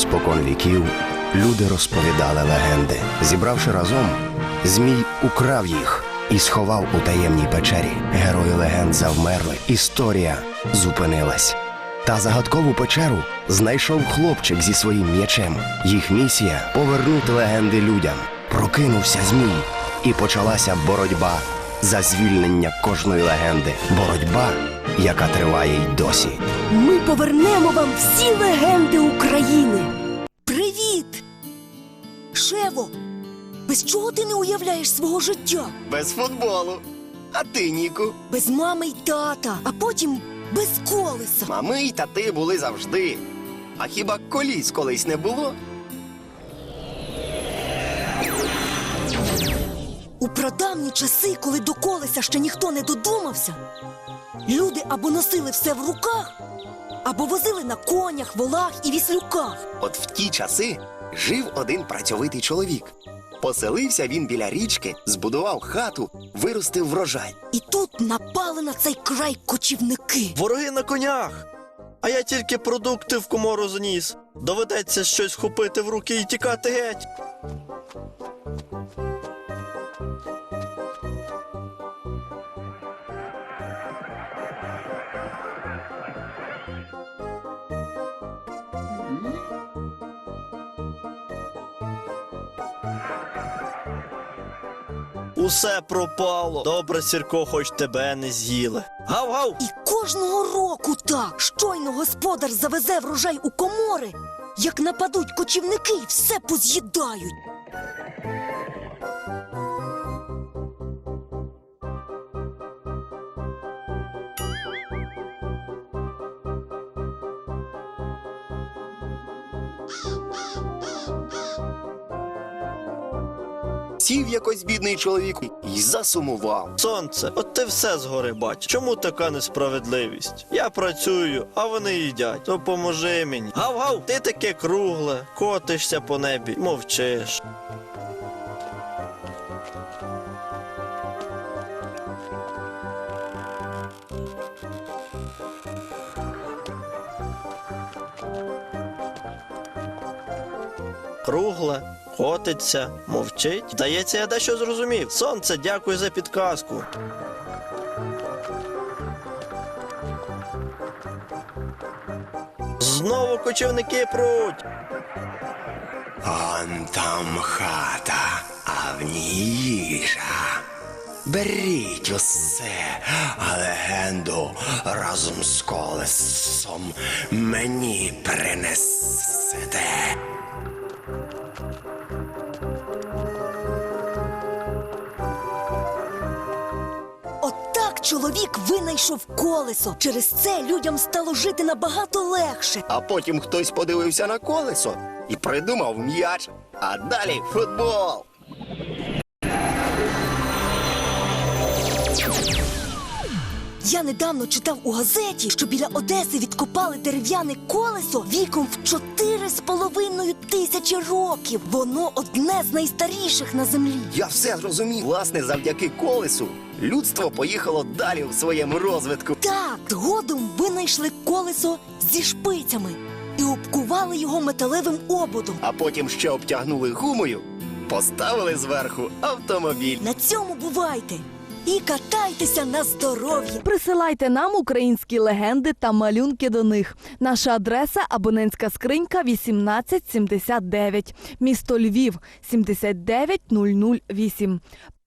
Спокон віків люди розповідали легенди. Зібравши разом, Змій украв їх і сховав у таємній печері. Герої легенд завмерли. Історія зупинилась. Та загадкову печеру знайшов хлопчик зі своїм м'ячем. Їх місія – повернути легенди людям. Прокинувся Змій, і почалася боротьба за звільнення кожної легенди. Боротьба, яка триває й досі. Ми повернемо вам всі легенди України. Привіт! Шево, без чого ти не уявляєш свого життя? Без футболу. А ти, Ніку? Без мами й тата, а потім без колеса. Мами й тати були завжди. А хіба коліс колись не було? У прадавні часи, коли до колеса ще ніхто не додумався, люди або носили все в руках, або возили на конях, волах і віслюках. От в ті часи жив один працьовитий чоловік. Поселився він біля річки, збудував хату, виростив врожай. І тут напали на цей край кочівники. Вороги на конях! А я тільки продукти в комору заніс. Доведеться щось хопити в руки і тікати геть. Усе пропало. Добре, Сірко, хоч тебе не з'їли. Гав-гав! І кожного року так. Щойно господар завезе врожай у комори, як нападуть кочівники і все поз'їдають. Сів якось бідний чоловік і засумував. Сонце, от ти все згори бачиш. Чому така несправедливість? Я працюю, а вони їдять. Допоможи мені. Гав-гав, ти таке кругле, котишся по небі, мовчиш. Кругле, котиться, мовчить. Здається, я дещо зрозумів. Сонце, дякую за підказку. Знову кочівники пруть. Он там хата, а в ній їжа. Беріть усе, а легенду разом з колесом мені принесете. Отак чоловік винайшов колесо. Через це людям стало жити набагато легше. А потім хтось подивився на колесо і придумав м'яч, а далі футбол. Я недавно читав у газеті, що біля Одеси відкопали дерев'яне колесо віком в 4,5 тисячі років. Воно одне з найстаріших на землі. Я все зрозумів. Власне, завдяки колесу людство поїхало далі в своєму розвитку. Так, згодом винайшли колесо зі шпицями і обкували його металевим ободом. А потім ще обтягнули гумою, поставили зверху автомобіль. На цьому бувайте! І катайтеся на здоров'я! Присилайте нам українські легенди та малюнки до них. Наша адреса – абонентська скринька 1879, місто Львів, 79008.